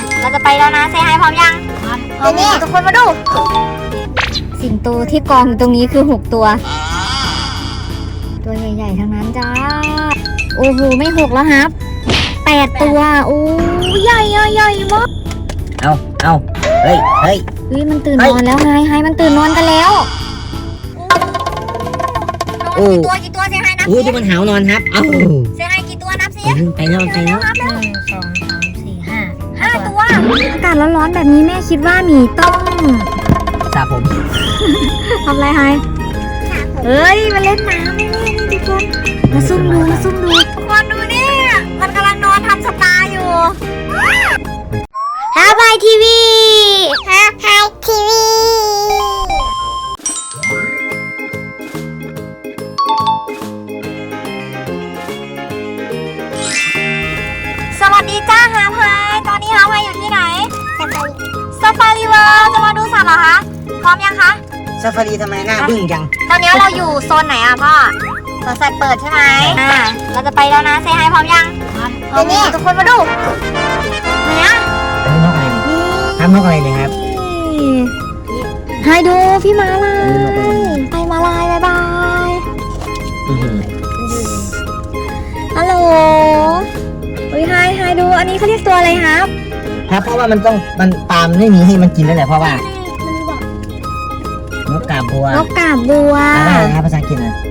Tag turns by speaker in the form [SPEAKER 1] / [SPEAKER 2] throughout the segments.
[SPEAKER 1] เราจะไปแล้วนะเซฮายพร้อมยังพร้อมนี่ทุกคนมาดูสิงโตที่กองอยู่ตรงนี้คือ6ตัวตัวใหญ่ๆทั้งนั้นจ้าโอ้โหไม่6แล้วครับ8ตัวโอ้ใหญ่มาก
[SPEAKER 2] เอาเฮ้ย
[SPEAKER 1] มันตื่นนอนแล้วไฮมันตื่นนอนกันแล้วกี่ตัวเซฮายนับสิ
[SPEAKER 2] ที่มันหาวนอนครับ
[SPEAKER 1] เซฮายกี่ตัวนับสิ
[SPEAKER 2] ไปแล้ว1 2 3
[SPEAKER 1] 4 5ตัวอากาศร้อนๆแบบนี้แม่คิดว่าหมีต้อง
[SPEAKER 2] สระผม
[SPEAKER 1] ทำอะไรไฮเฮ้ยมาเล่นน้ำนี่ทุกคนมาซุ่มดูทุกคนดูนี่มันกำลังนอนทำสปาอยู่ฮาบายทีวีสวัสดีจ้าฮาพายตอนนี้ฮาพายอยู่ที่ไหนซาฟารีเวิลด์จะมาดูสัตว์เหรอคะพร้อมยังคะ
[SPEAKER 2] ซาฟารีทำไมหน้าบึ้งจัง
[SPEAKER 1] ตอนนี้เราอยู่โซนไหนอะพ่อสวนสัตว์เปิดใช่ไหมเราจะไปแล้วนะเซฮายพร้อมยังพร้อมนี่ทุกคนมาดูเนี่ย
[SPEAKER 2] นกอะไรเนี่ยครับ
[SPEAKER 1] ไฮดูพี่มาลายไปมาลายบายฮัลโหลไฮดูอันนี้เขาเรียกตัวอะไรครับ
[SPEAKER 2] เพราะว่ามันปาล์มไม่มีให้มันกินแล้วแหละเพราะว่านกกาบบัวอะไรครับภาษาอังกฤษนะ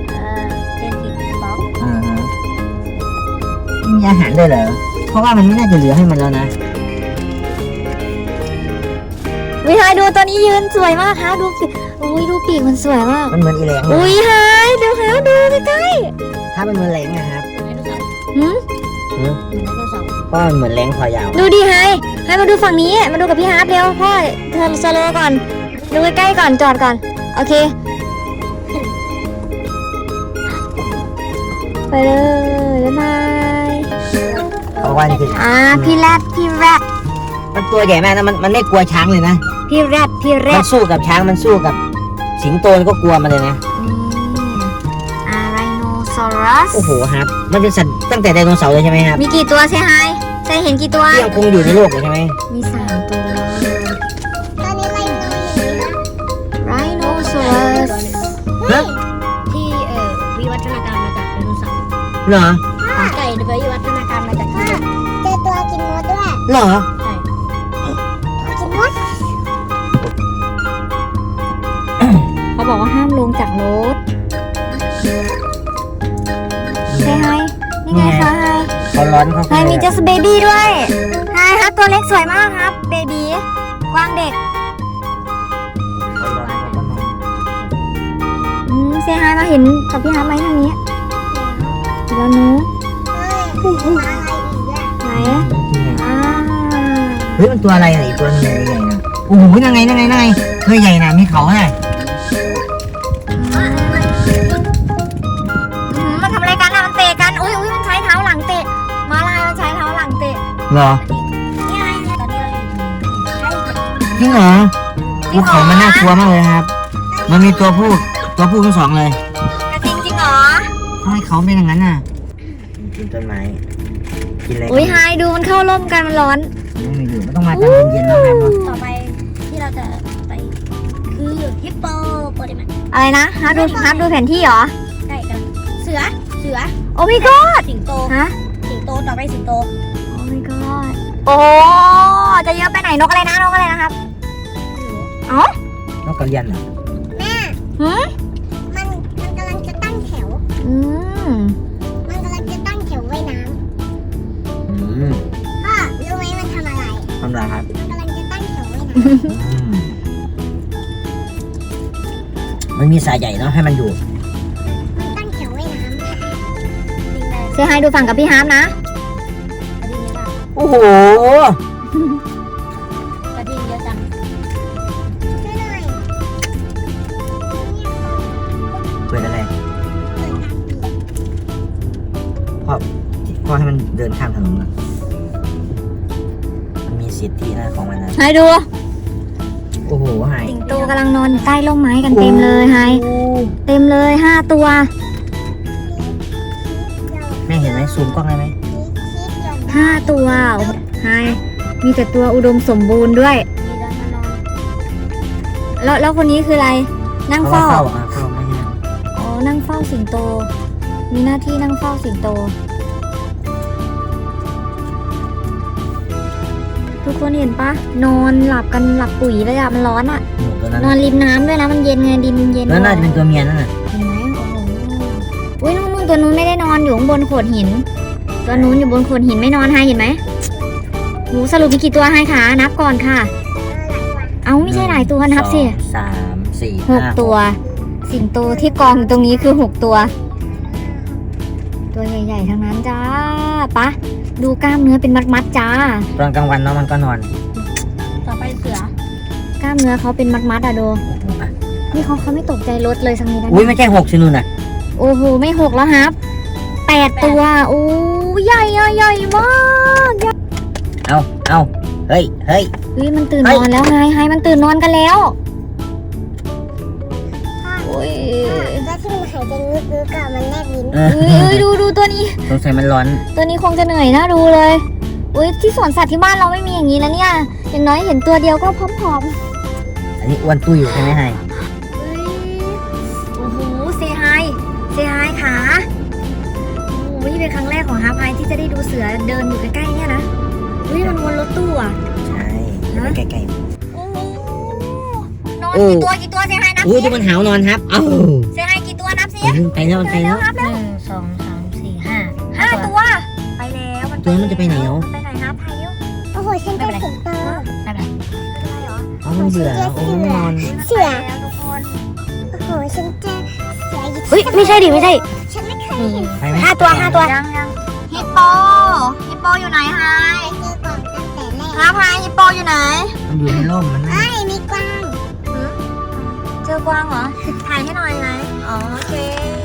[SPEAKER 2] มีอาหารด้วยเหรอเพราะว่ามันไม่น่าจะเหลือให้มันแล้วนะ
[SPEAKER 1] ไฮดูตัวนี้ยืนสวยมากค่ะดูปีกดูปีกมันสวยมาก
[SPEAKER 2] มันเหมือนอีแหลง
[SPEAKER 1] ไฮดูครับดูใกล้
[SPEAKER 2] ถ้ามันเหมือนแหลงนะครับก็เหมือนแหลงคอยาว
[SPEAKER 1] ดูดิไฮมาดูฝั่งนี้มาดูกับพี่ฮาร์ปเร็วพ่อเธอสโลว์ก่อนดูใกล้ๆก่อนจอดก่อนโอเคไปเลยบ๊ายบาย
[SPEAKER 2] เพราะว่านี่คือ
[SPEAKER 1] พี่แรด
[SPEAKER 2] มันตัวใหญ่มากนะมันไม่กลัวช้างเลยนะ
[SPEAKER 1] พี่แรด
[SPEAKER 2] มันสู้กับช้างมันสู้กับสิงโตก็กลัวมันเลยนะ
[SPEAKER 1] ไรโนซอรัส
[SPEAKER 2] โอ้โหครับมันเป็นสัตว์ตั้งแต่ไดโนเสาร์เลยใช่ไหมครับ
[SPEAKER 1] มีกี่ตัวใช่ไหมใช่เห็นกี่ตัว
[SPEAKER 2] ยังคงอยู่ในโลกเลยใช่ไหม
[SPEAKER 1] มี3ตัวตอนนี้ไรโนซอรัส
[SPEAKER 3] ที่วิวัฒนาการมาจากไดโนเสาร์
[SPEAKER 2] เหรอ
[SPEAKER 3] ไก่วิวัฒนาการมาจากที่
[SPEAKER 1] เจอตัวกินมดด้วย
[SPEAKER 2] เหรอ
[SPEAKER 3] ใช่
[SPEAKER 1] กินมดเขาบอกว่าห้ามลงจากรถใช่ไฮนี่ไงคะไฮ
[SPEAKER 2] เขาร้อนเขา
[SPEAKER 1] มีจัสเบบี้ด้วยไฮครับตัวเล็กสวยมากครับเบบี้กวางเด็กเซฮายมาเห็นกับพี่ฮาร์ปไหมทางนี้แล้วนู้ไหน
[SPEAKER 2] เฮ้ยมันตัวอะไรอีกตัวนึงใหญ่นะโอ้โหนั่งไงเฮ้ยใหญ่นะมีเขาไง
[SPEAKER 1] มันทำอะไรกันอะมันเตะกันอุ้ยมันใช้เท้าหลังเตะมาลายมันใช้เท้าหลังเตะ
[SPEAKER 2] เหรอจริงเหรอภูเขามันน่ากลัวมากเลยครับมันมีตัวผู้ทั้ง2เลย
[SPEAKER 1] จริงเหรอ
[SPEAKER 2] ทำไมเขาเป็นอย่างนั้นน่ะกินต้นไม้กินอะไร
[SPEAKER 1] ไฮดูมันเข้าร่มกันมันร้อน
[SPEAKER 2] ไม่อยู่มันต้องมาตอนเย็นๆแล้วครับ
[SPEAKER 3] ต่อไปที่เราจะไปคือฮิปโปโปเตมัน
[SPEAKER 1] อะไรนะฮาร์ปดูแผนที่เหรอ
[SPEAKER 3] ใช่กันเสือ
[SPEAKER 1] โอ้ my god
[SPEAKER 3] สิงโตต่อไปสิงโต
[SPEAKER 1] โอ้ my god โอ้จะเยอะไปไหนนกอะไรนะครับ
[SPEAKER 2] นกกระเรียนเหรอ
[SPEAKER 1] แม่มันกำลังจะตั้งแถวมันกำลังจะตั้งแถวว่ายน้ำพ่อรู้ไหมมันทำอะไร
[SPEAKER 2] ครับ
[SPEAKER 1] มันกำลังจะตั้งแถวว่ายน้
[SPEAKER 2] ำมันมีสายใหญ่เนาะให้มันอยู่
[SPEAKER 1] มันตั้งแถวว่ายน้ำเซฮายดูฝั่งกับพี่ฮาร์ปนะ
[SPEAKER 2] โอ้โห
[SPEAKER 3] กระดิ่งเยอะจัง
[SPEAKER 2] เปิดอะไรพ่อให้มันเดินข้ามถนนมันมีสิทธินะของมันนะ
[SPEAKER 1] ให้ดู
[SPEAKER 2] โอ้โหไฮ
[SPEAKER 1] สิงโตกำลังนอนใต้ร่มไม้กันเต็มเลยไฮเต็มเลย5ตัว
[SPEAKER 2] แม่เห็นไหมซูมกล้องได้ไหม
[SPEAKER 1] 5ตัวไฮมีแต่ตัวอุดมสมบูรณ์ด้วย
[SPEAKER 3] มีร้านมานอน
[SPEAKER 1] แล้วคนนี้คืออะไร นั่ง
[SPEAKER 2] เขาว่า
[SPEAKER 1] เฝ้า
[SPEAKER 2] เฝ้าไม่ใช่
[SPEAKER 1] อ๋อ นั่งเฝ้าสิงโต มีหน้าที่นั่งเฝ้าสิงโต ทุกคนเห็นปะนอนหลับกันหลับปุ๋ยเลยอะมันร้อนอะ
[SPEAKER 2] หนูตัวนั้น
[SPEAKER 1] นอนริมน้ำด้วยนะ มันเย็นไงดินมันเย็น
[SPEAKER 2] นั่นน่าจะเป็นตัวเมียนั่นน่ะ
[SPEAKER 1] เห็นไหมโอ้โหอุ้ยนู่นตัวนู้นไม่ได้นอนอยู่ข้างบนโขดหิน ตัวนู้นอยู่บนโขดหินไม่นอนให้เห็นไหมโหสรุปมีกี่ตัวให้คะนับก่อนค่ะ เอาไม่ใช่หลายตัวนับสิ
[SPEAKER 2] 1 2 3 4
[SPEAKER 1] หกตัว สิงโตที่กองอยู่ตรงนี้คือ6ตัว ตัวใหญ่ๆทั้งนั้นจ้าปะดูกล้ามเนื้อเป็นมัดๆจ้า
[SPEAKER 2] ตอนกลางวันเนาะมันก็นอน
[SPEAKER 3] ต่อไปเสือก
[SPEAKER 1] ล้ามเนื้อเขาเป็นมัดๆอะโดนี่เขาไม่ตกใจรถเลยสักนิดนะ
[SPEAKER 2] อุ้ยไม่ใช่6ชินูน่ะ
[SPEAKER 1] โอ้โหไม่6แล้วครับ8ตัวโอ้ใหญ่อะใหญ่มากใหญ่
[SPEAKER 2] เอาเฮ้ย
[SPEAKER 1] เฮ้ยมันตื่นนอนแล้วไฮมันตื่นนอนกันแล้วโอ้ย
[SPEAKER 3] แล้วที่มันหายใจงึกๆกับมันแนบลิ้น
[SPEAKER 2] เอ
[SPEAKER 1] เอ้ยดูตัวนี้
[SPEAKER 2] สงสัยมันร้อน
[SPEAKER 1] ตัวนี้คงจะเหนื่อยนะดูเลยอุ้ยที่สวนสัตว์ที่บ้านเราไม่มีอย่างนี้นะเนี่ยอย่างน้อยเห็นตัวเดียวก็พร้อม
[SPEAKER 2] อันนี้อ้วนตุ้ยอยู่ใช่ไหมไฮ
[SPEAKER 1] ๆเฮ้ยโอ้โหเซฮายขาโอ้โหนี่เป็นครั้งแรกของฮาร์พายที่จะได้ดูเสือเดินอยู่ใกล้ๆเนี่ยนะอุ้ยมันวนรถตู้อ่ะ
[SPEAKER 2] ใช่ใกล้
[SPEAKER 1] โอ้โหนอนกี่ตัวเซฮายนับ
[SPEAKER 2] ๆอุ้ย
[SPEAKER 1] สิ
[SPEAKER 2] ดูมันหาวนอนครับ เอ้า
[SPEAKER 1] เซฮายกี่ตัวนับสิ
[SPEAKER 2] ไปแล้วมันไปแล้ว
[SPEAKER 1] นับแล้ว
[SPEAKER 3] 1 2 3 4 5
[SPEAKER 1] 5 ตัวไปแล้วมัน
[SPEAKER 2] ตัวนั้นมันจะไปไหนเนาะ
[SPEAKER 1] ไปไหนฮาร์พายเร็ว
[SPEAKER 3] โอ้โหฉันเป็นสิงโต
[SPEAKER 1] ไปไหนเหรอ
[SPEAKER 2] เอามันเบื่อแล้วโอ้มันนอน
[SPEAKER 3] เสือ
[SPEAKER 1] ไปแล้วทุกคน
[SPEAKER 3] โอ้โหฉันเจอเสืออยู่
[SPEAKER 1] เฮ้ยไม่ใช่ดิไม่ใช่
[SPEAKER 3] ฉันไม่เคยเห็น
[SPEAKER 2] ไปไหม
[SPEAKER 1] 5 ตัวยังฮิปโปอยู่ไหนฮาย
[SPEAKER 3] เจอก่อนตั้งแต่แรก
[SPEAKER 1] ฮาพายฮิปโปอยู่ไหน
[SPEAKER 2] มันอยู่ในร่มมันนะ
[SPEAKER 3] เอ้ยมีกวาง
[SPEAKER 1] เจอกวางเหรอถ่ายให้หน่อยไหมอ๋อโอเค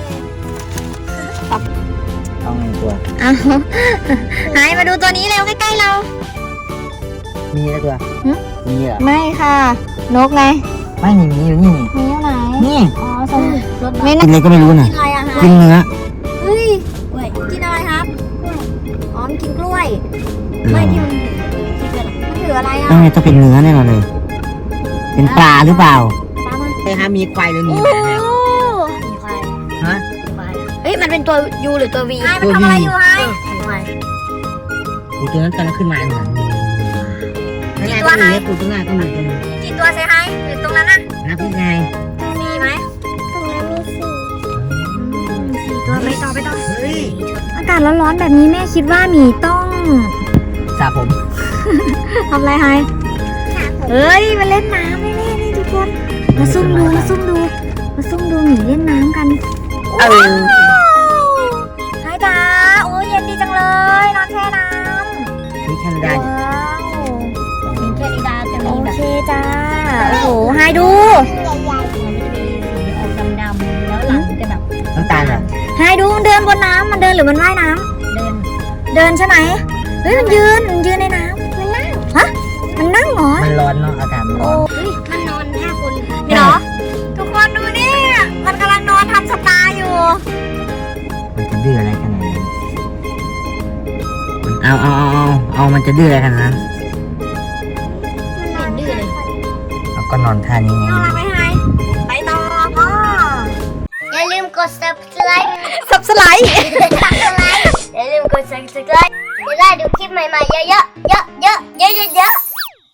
[SPEAKER 2] เอาไงตัว
[SPEAKER 1] เอาหายมาดูตัวนี้เร็วใกล้ๆเรา
[SPEAKER 2] มีแล้วตัว
[SPEAKER 1] หึ
[SPEAKER 2] มีเหรอ
[SPEAKER 1] ไม่ค่ะ นกไง
[SPEAKER 2] ไม่นี่มีอยู่นี่
[SPEAKER 1] มีอยู่ไหน
[SPEAKER 2] นี่
[SPEAKER 1] อ๋อสมรถ
[SPEAKER 2] กินอะไรก็ไม่รู้น่ะ
[SPEAKER 1] กินอะไรอะฮะ
[SPEAKER 2] กินเนื้อ
[SPEAKER 1] เฮ้ยกินอะไรครับอ๋อมันกินกล้วยไม่ที่มันถืออะไรอะ
[SPEAKER 2] ต้องไงต้องเป็นเนื้อแน่นอนเลย เป็นปลาหรือเปล่า
[SPEAKER 1] ปลามัน
[SPEAKER 2] ใช่ฮะมีควายหรือมี
[SPEAKER 1] โอ้
[SPEAKER 2] หมาครับ
[SPEAKER 3] มีควาย
[SPEAKER 2] ฮะ
[SPEAKER 3] มีควาย
[SPEAKER 1] เฮ้ยมันเป็นตัวยูหรือตัววีไอ้มันทำอะไรอยู่ไอ้
[SPEAKER 3] มีควาย
[SPEAKER 2] ปูตัวนั้นกำลังขึ้นมาเหมือนนั่นไงก็มีเนี่ยปูตัวหน้าก็มีตัวนึง
[SPEAKER 1] กี่ตัวเซฮายอยู่ตรงนั้นน่ะ
[SPEAKER 2] นับพี่ไง
[SPEAKER 1] มีไหม
[SPEAKER 3] ตรงนั้นมี4
[SPEAKER 1] 4 ตัวไปต่อ
[SPEAKER 2] เฮ้ย
[SPEAKER 1] อากาศร้อนๆแบบนี้แม่คิดว่าหมีต้อง
[SPEAKER 2] สระผม
[SPEAKER 1] ทำอะไรไฮเฮ้ยมาเล่นน้ำแน่ๆนี่ทุกคน มาซุ่มดูหมีเล่นน้ำกัน
[SPEAKER 2] เออ
[SPEAKER 1] ไฮจ้าโอ้ยเย็นดีจังเลย นอนแช่น้ำ
[SPEAKER 2] นี่แคนาดา
[SPEAKER 1] ว้าว
[SPEAKER 3] มีแคนิดาจะ
[SPEAKER 1] โอ
[SPEAKER 3] มีแบบ
[SPEAKER 1] เคจ้า โอ้โหไฮดู
[SPEAKER 3] ใหญ่ๆมันจะมีสีออกดำๆแล้วหลังจะแบบ
[SPEAKER 2] น้ำตาลเหรอ
[SPEAKER 1] ไฮดูมันเดินบนน้ำมันเดินหรือมันว่ายน้
[SPEAKER 3] เดิน
[SPEAKER 1] ำเดินใช่ไหมเฮ้ยมันยืนในน้ำมันนั่งฮะมันนั่งเหรอ
[SPEAKER 2] มันร้อนเนาะอากาศมันร้
[SPEAKER 1] โอ้
[SPEAKER 2] อน
[SPEAKER 1] ย
[SPEAKER 3] มันนอน5 คน
[SPEAKER 1] เดี๋ยวทุกคนดูนี่มันกำลังนอนทำสปาอยู่
[SPEAKER 2] มันจะดื้ออะไรขนาดนั้นเอามันจะดื้ออะไรขนาดนั้น
[SPEAKER 3] มันนอนดื้อเลย
[SPEAKER 2] เอาก็นอนท่านี้ไง
[SPEAKER 1] เอาอะไรไปให้ไปต่อพ่อ
[SPEAKER 3] อย่าลืมกด subscribe
[SPEAKER 1] สับสไลด์
[SPEAKER 3] อย่าลืมกด subscribe จะได้ดูคลิปใหม่ๆเยอะๆเยอะๆเยอะๆเยอะๆ